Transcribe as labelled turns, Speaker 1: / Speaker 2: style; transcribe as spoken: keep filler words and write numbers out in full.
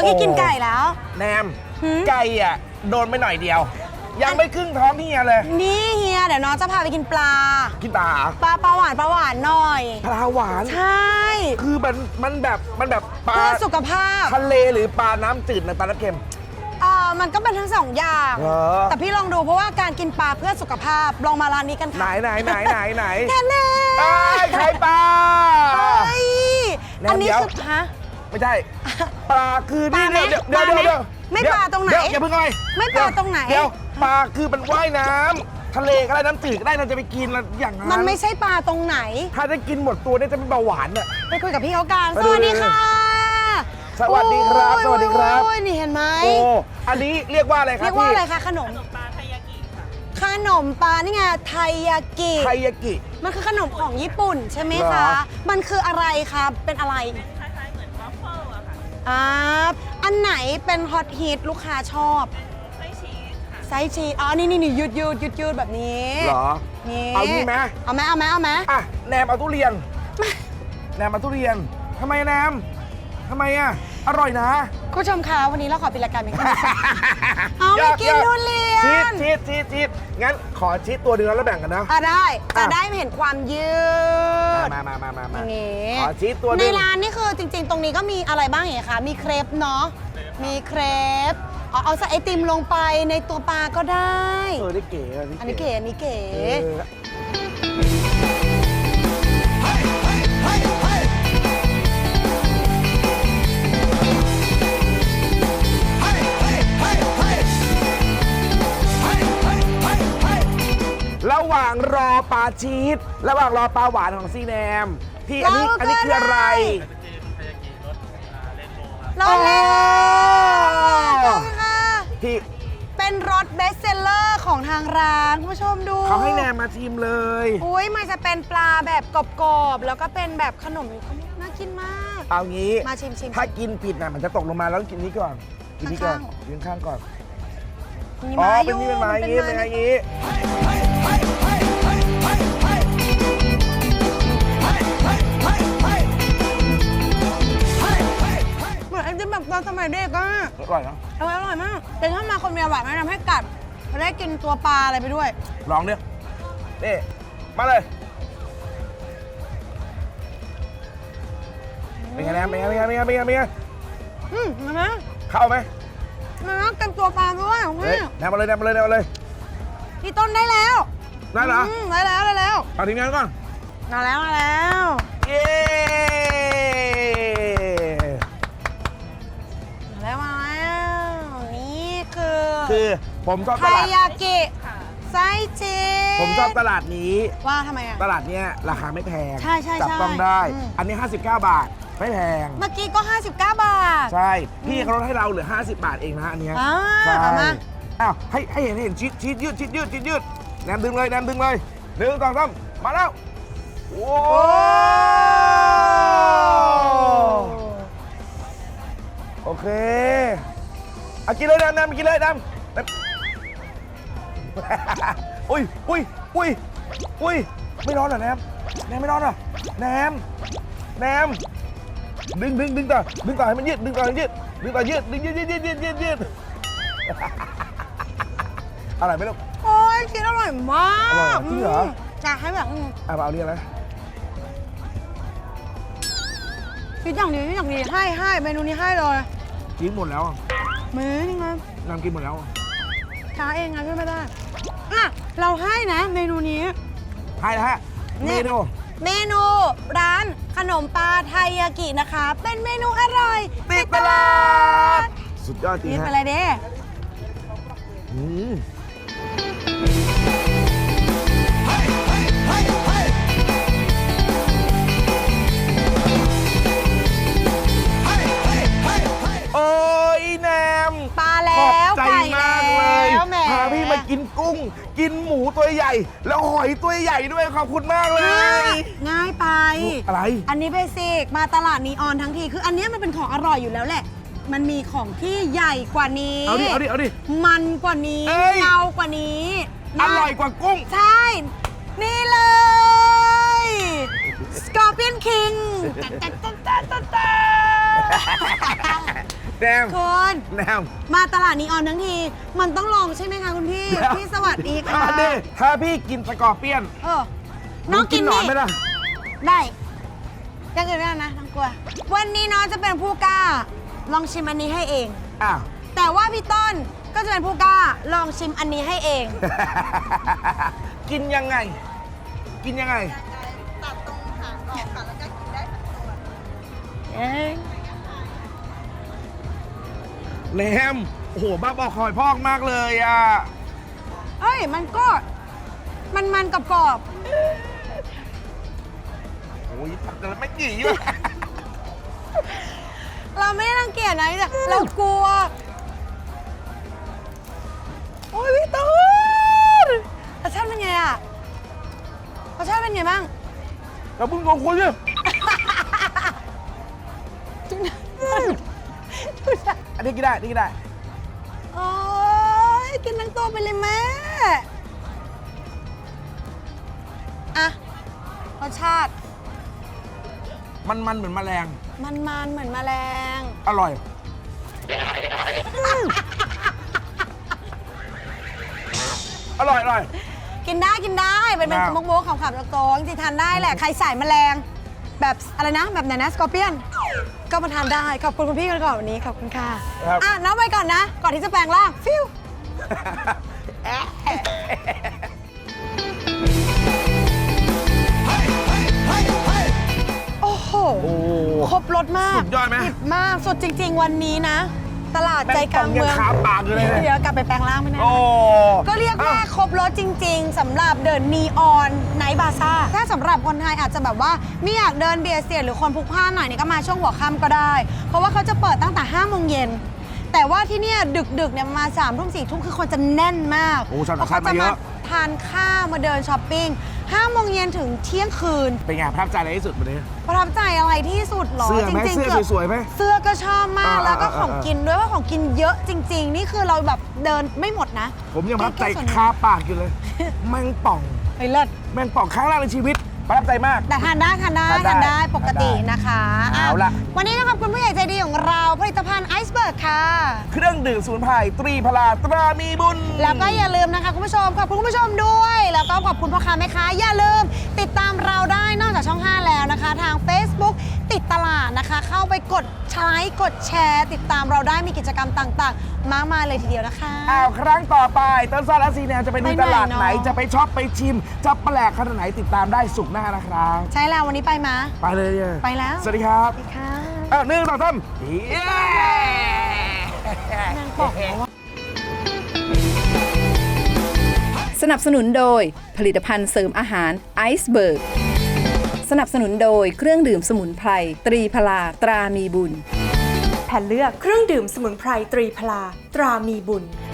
Speaker 1: พี่กินไก่แล้ว
Speaker 2: แนมไก่อ่ะโดนไปหน่อยเดียวยังไม่ครึ่งท้องเฮียเลย
Speaker 1: นี่เฮียเดี๋ยวน้องจะพาไปกินปลา
Speaker 2: กินปลา
Speaker 1: ปลาปลาหวานปลาหวานหน่อย
Speaker 2: ปลาหวาน
Speaker 1: ใช่
Speaker 2: คือมันมันแบบมันแบบปลา
Speaker 1: เพื่อสุขภาพ
Speaker 2: ทะเลหรือปลาน้ำจืดในปลาน้ำเค็ม
Speaker 1: เออมันก็เป็นทั้งสองอย่างแต่พี่ลองดูเพราะว่าการกินปลาเพื่อสุขภาพลองมาร้านนี้กันค่ะ
Speaker 2: ไหนไหนไหนไหนไหน
Speaker 1: แค่เล่
Speaker 2: ไข่ปลา
Speaker 1: เฮ้ยอันนี้คือฮะ
Speaker 2: ไม่ใช่ปลาคือนี่เดี๋ยวเดี๋ยวเดี๋ยว
Speaker 1: ไม่ปลาตรงไหน
Speaker 2: อย่าเพิ่งเลย
Speaker 1: ไม่ปลาตรงไหน
Speaker 2: เดี๋ยวปลาคือมันว่ายน้ำทะเลก็ได้น้ำจืดก็ได้เราจะไปกินอย่างนั้น
Speaker 1: มันไม่ใช่ปลาตรงไหน
Speaker 2: ถ้าได้กินหมดตัวเนี่ยจะเป็นเบาหวานเนี่ย
Speaker 1: ไปคุยกับพี่เขากันสวัสดีค่ะ
Speaker 2: สวัสดีครับสวัสดีครับ
Speaker 1: โอ้ยนี่เห็นไหม
Speaker 2: โอ้อันนี้เรียกว่าอะไรครับ
Speaker 1: เรียกว่าอะไรคะขนมปลาไทยากิขนมปลานี่ไงไทยากิ
Speaker 2: ไทยากิ
Speaker 1: มันคือขนมของญี่ปุ่นใช่ไหมคะมันคืออะไรคะเป็นอะไร
Speaker 3: คล้ายๆเหมือนวอฟเฟิลอะค่ะ
Speaker 1: อ่าอันไหนเป็นฮอตฮิตลูกค้าชอบ
Speaker 3: ไส้ชีสค่ะ
Speaker 1: ไส้ชีสอ๋อนี่นี่นี่ยืดยืดยืดยืดแบบนี้
Speaker 2: เหรอ
Speaker 1: นี่
Speaker 2: เอางี้ไหม
Speaker 1: เอาไหมเอาไหมเอาไหม
Speaker 2: อ่ะแนมเอาทุเรียนแนมเอาทุเรียนทำไมแนมทำไมอ่ะอร่อยนะ
Speaker 1: คุณผู้ชมคะวันนี้เราขอปิดรายการเป็นการเอาไม่กินทุเรียน
Speaker 2: ชีสชีสชีสงั้นขอชีสตัวหนึ่งแล้วแบ่งกันนะ
Speaker 1: อ่ะได้จะได้เห็นความยืด
Speaker 2: มามามามามา
Speaker 1: นี่
Speaker 2: ขอชีสตัวนึง
Speaker 1: ในร้านนี่คือจริงๆตรงนี้ก็มีอะไรบ้างอย่างคะมีเครปเนาะมีเครปเอาเอาใส่ไอติมลงไปในตัวปลาก็ได้
Speaker 2: เออได้เก๋
Speaker 1: อันนี้เก๋อันนี้เก๋
Speaker 2: ระหว่างรอปลาชีสระหว่างรอปลาหวานของซีแนมพี่อันนี้อันนี้คืออะไร
Speaker 1: รสเล่ค่ะ
Speaker 2: พี่
Speaker 1: เป็นรสเบสเซลเลอร์ของทางร้านคุณผู้ชมดู
Speaker 2: เขาให้แนมมาชิมเลย
Speaker 1: อุ้ยมันจะเป็นปลาแบบกรอบๆแล้วก็เป็นแบบขนมน่ากินมาก
Speaker 2: เอางี้
Speaker 1: มาชิมชิม
Speaker 2: ถ้ากินผิดน่ะมันจะตกลงมาแล้วกินนี้ก่อนกินนี้ก่อนยืนข้างก่อน
Speaker 1: อ๋อ
Speaker 2: เป็นนี่เป็นไม้อย่างนี้เป็นไม้อย่างนี้
Speaker 1: เหมือนไอติมแบบตอนสมัยเด็กอ่ะ
Speaker 2: อร่อยเนาะ
Speaker 1: อร่อยอร่อยมากแต่ถ้ามาคนเมียหวานแนะนำให้กัดจะได้กินตัวปลาอะไรไปด้วย
Speaker 2: ลองเนี่ยนี่มาเลยเป็นไงนะเป็นไงเป็นไงเป็นไงเป็นไงเป็นไง
Speaker 1: อืมมาไหม
Speaker 2: เข้าไหม
Speaker 1: มาเต็มตัวปลาด้วย
Speaker 2: เฮ้ยแนมมาเลยแนมมาเลยแนมมาเลย
Speaker 1: พี่ต้นได้แล้ว
Speaker 2: ได้เหรอ
Speaker 1: ได้แล้วได้แล้ว
Speaker 2: เอาทีมงานก่อน
Speaker 1: มาแล้วมาแล้ว
Speaker 2: เย้
Speaker 1: มาแล้วมาแล้วนี่คือ
Speaker 2: คือผมชอบตลาด
Speaker 1: ไทยากิไส้ชีส
Speaker 2: ผมชอบตลาดนี้
Speaker 1: ว่าทำไมอ่ะ
Speaker 2: ตลาดเนี้ยราคาไม่แพง
Speaker 1: ใช่ใช่
Speaker 2: จับต้องได้อันนี้ห้าสิบเก้าบาทไม่แพง
Speaker 1: เมื่อกี้ก็ห้าสิบเก้าบาท
Speaker 2: ใช่พี่เขาลดให้เราเหลือห้าสิบบาทเองนะอันนี้
Speaker 1: ใช่มา
Speaker 2: อ้าวให้ให้เห็นเห็นชีสชีสยืดชีสยืดชีสยืดแนมดึงเลยแนมดึงเลยหนึ่งสองสามมาแล้วโอ้โอเคเอากินเลยแนมแนมกินเลยแนมอุ้ยอุ้ยอุ้ยอุ้ยไม่ร้อนเหรอแนมแนมไม่ร้อนเหรอแนมแนมดึงดึงดึงต่อดึงต่อให้มันยืดดึงต่อให้ยืดดึงต่อยืดดึงยืดยืดยืดยืดยืดยืดอร่อยไหมลูก
Speaker 1: โอ้ยชีสอร่อยมาก
Speaker 2: จริงเหรอ
Speaker 1: จะให้แบบ
Speaker 2: อ่ะเอาเรียกนะ
Speaker 1: ชีสอย่างดีชีสอย่างดีให้ให้เมนูนี้ให้เลย
Speaker 2: กินหมดแล้ว
Speaker 1: เมนูไง
Speaker 2: นำกินหมดแล้ว
Speaker 1: ช้าเองไงพี่ไม่ได้อ่ะเราให้นะเมนูนี้
Speaker 2: ให้นะฮะเมนู
Speaker 1: เมนูร้านขนมปลาไทยากินะคะเป็นเมนูอร่อย
Speaker 2: ติดตลาดสุดยอดจริงฮะ
Speaker 1: นี่เป็นอะไรเด้
Speaker 2: อืมโอ้ยแนม
Speaker 1: ปลาแล้ว
Speaker 2: ใจมากเลยพาพี่มากินกุ้งกินหมูตัวใหญ่แล้วหอยตัวใหญ่ด้วยขอบคุณมากเลย
Speaker 1: ง่ายไป
Speaker 2: อะไร
Speaker 1: อันนี้เบสิกมาตลาดนีออนทั้งทีคืออันนี้มันเป็นของอร่อยอยู่แล้วแหละมันมีของที่ใหญ่กว่านี้
Speaker 2: เอาดิเอาดิเอาดิ
Speaker 1: มันกว่านี้เงากว่านี้
Speaker 2: อร่อยกว่ากุ้ง
Speaker 1: ใช่นี่เลย Scorpion King
Speaker 2: แนม
Speaker 1: คุณ
Speaker 2: แนม
Speaker 1: มาตลาดนีออนทั้งที มันต้องลองใช่ไหมคะคุณพี่
Speaker 2: เดี๋ยว
Speaker 1: พี่สวัสดีค่ะ
Speaker 2: มาดิถ้าพี่กินสกอร์เปียน
Speaker 1: เออ น้องกิน
Speaker 2: หนอน
Speaker 1: นี่
Speaker 2: ไหมล่ะ
Speaker 1: ได้ยังอื่นไม่ได้นะน้องกลัว วันนี้น้องจะเป็นผู้กล้า ลองชิมอันนี้ให้เอง
Speaker 2: อ้าว
Speaker 1: แต่ว่าพี่ต้นก็จะเป็นผู้กล้า ลองชิมอันนี้ให้เอง
Speaker 2: กินยังไง กินยังไง
Speaker 3: ตัดตรงหางออกค่ะ แล้วก็กินได้ทั้งตัว
Speaker 1: เอ้ย
Speaker 2: แนมโอ้โหบ้าบอคอยพอกมากเลยอ่ะ
Speaker 1: เอ้ย มันก็ มันมันกรอบ
Speaker 2: โอ้ยทำกันไม่กี่อยู่
Speaker 1: ๆเราไม่ได้รังเกียจนะแต่เรากลัว โอ้ยพี่ต้นรสชาติเป็นไงอะรสชาติเป็นไงบ้าง
Speaker 2: แล้วมึงงงคนเนี่ย
Speaker 1: จุ๊บนะ
Speaker 2: อันนี้กินได้อันนี้กินได้
Speaker 1: โอ้ยกินทั้งตัวไปเลยแม่อะรสชาติ
Speaker 2: มันมันเหมือนแมลง
Speaker 1: มันมันๆเหมือนแมลง
Speaker 2: อร่อย อร่อยอร่อย
Speaker 1: กินได้กินได้เป็นเป็น
Speaker 2: ได้
Speaker 1: มุกมุกๆขำๆโตๆจริงๆทานได้แหละ ใครสายแมลง แบบอะไรนะ แบบไหนนะสกอร์เปียน ก็มาทานได้ ขอบคุณคุณพี่กันก่อนวันนี้ ขอบคุณค่ะ
Speaker 2: ครับ
Speaker 1: อ่ะน้องไปก่อนนะ ก่อนที่จะแปลงร่าง ฟิว โอ้โห
Speaker 2: โอ้
Speaker 1: ครบรสมาก
Speaker 2: สุดยอดไหม
Speaker 1: ดิบมาก สุดจริง ๆ วันนี้นะ ตลาดใจกลางเมือง
Speaker 2: แม่งป่องยังขาปากอยู่เลยเนี่ย
Speaker 1: เดี๋ยวกลับไปแปลงร่างไม่แน่
Speaker 2: โอ้
Speaker 1: ก็เรียกว่า
Speaker 2: อ้
Speaker 1: ครบรถจริง ๆสำหรับเดินนีออนไนท์บาซ่าถ้าสำหรับคนไทยอาจจะแบบว่าไม่อยากเดินเบียดเสียดหรือคนพลุกพล่านหน่อยนี่ก็มาช่วงหัวค่ำก็ได้ เพราะว่าเขาจะเปิดตั้งแต่ห้าโมงเย็นแต่ว่าที่เนี่ยดึกๆเนี่ยมาสามทุ่มสี่ทุ่มคือคนจะแน่นมาก
Speaker 2: โอ้ชาว
Speaker 1: เพ
Speaker 2: ต่าง
Speaker 1: ราะ
Speaker 2: ชา
Speaker 1: เขา
Speaker 2: ติมา
Speaker 1: จะ
Speaker 2: เย
Speaker 1: มา
Speaker 2: อะ
Speaker 1: ทานข้าวมาเดินช้อปปิ้งห้าโมงเย็นถึงเที่ยงคืน
Speaker 2: เป็นไงประทับใจอะไรที่สุดวันนี้
Speaker 1: ประทับใจอะไรที่สุดหรอ
Speaker 2: เสื้อไหม
Speaker 1: จริง
Speaker 2: เสื้อ
Speaker 1: กืบ
Speaker 2: สวยๆไหม
Speaker 1: เสื้อก็ชอบมาก
Speaker 2: อ่า
Speaker 1: แล้วก็
Speaker 2: อ่า
Speaker 1: ของ
Speaker 2: อ่า
Speaker 1: กินด้วยว่าของกินเยอะจริง ๆ นี่คือเราแบบเดินไม่หมดนะ
Speaker 2: ผมยังประทับใจ
Speaker 1: แค่ส่วนหนึ่ง
Speaker 2: คาปากอยู่เลย แมงป่อง
Speaker 1: เฮ้ยเลิศ
Speaker 2: แมงป่องครั้งแรกในชีวิต ประทับใจมาก
Speaker 1: แต่ทานได้ทานได้
Speaker 2: ทานได้
Speaker 1: ทานได้ปกติ
Speaker 2: ทานได้
Speaker 1: นะคะ
Speaker 2: เอาล่ะ
Speaker 1: วันนี้ต้องขอบคุณผู้ใหญ่ใจดีของเราผลิตภัณฑ์ไอซ์เบิร์กค่ะ
Speaker 2: เครื่องดื่มสมุนไพรตรีพลาตรามีบุญ
Speaker 1: แล้วก็อย่าลืมนะคะคุณผู้ชมขอบคุณคุณผู้ชมด้วย แล้วก็ขอบคุณพ่อค้าแม่ค้าอย่าลืม ติดตามเราได้นอกจากช่อง ห้า แล้วนะคะ ทาง Facebook ติดตลาดนะคะ เข้าไปกดไลค์กดแชร์ ติดตามเราได้มีกิจกรรมต่างๆ มากมายเลยทีเดียวนะคะ
Speaker 2: อ้าวครั้งต่อไปต้นซาและซีแนวจะไปดู
Speaker 1: ไปไหน
Speaker 2: ตลาดไหน
Speaker 1: เนอะ
Speaker 2: จะไปช็อปไปชิม จะแปลกขนาดไหนติดตามได้สุกร์หน้านะครับ
Speaker 1: ใช่แล้ววันนี้ไปมา
Speaker 2: ไปเลยเนี่ย
Speaker 1: ไปแล้ว
Speaker 2: สวัสดีครับ
Speaker 1: สวัสดีค่ะ
Speaker 2: อ้าวหนึ่งสองสามเย้
Speaker 1: นางบอกแล้วว่า
Speaker 4: สนับสนุนโดยผลิตภัณฑ์เสริมอาหารไอซ์เบิร์กสนับสนุนโดยเครื่องดื่มสมุนไพรตรีพลาตรามีบุญ
Speaker 5: แผ่นเลือกเครื่องดื่มสมุนไพรตรีพลาตรามีบุญ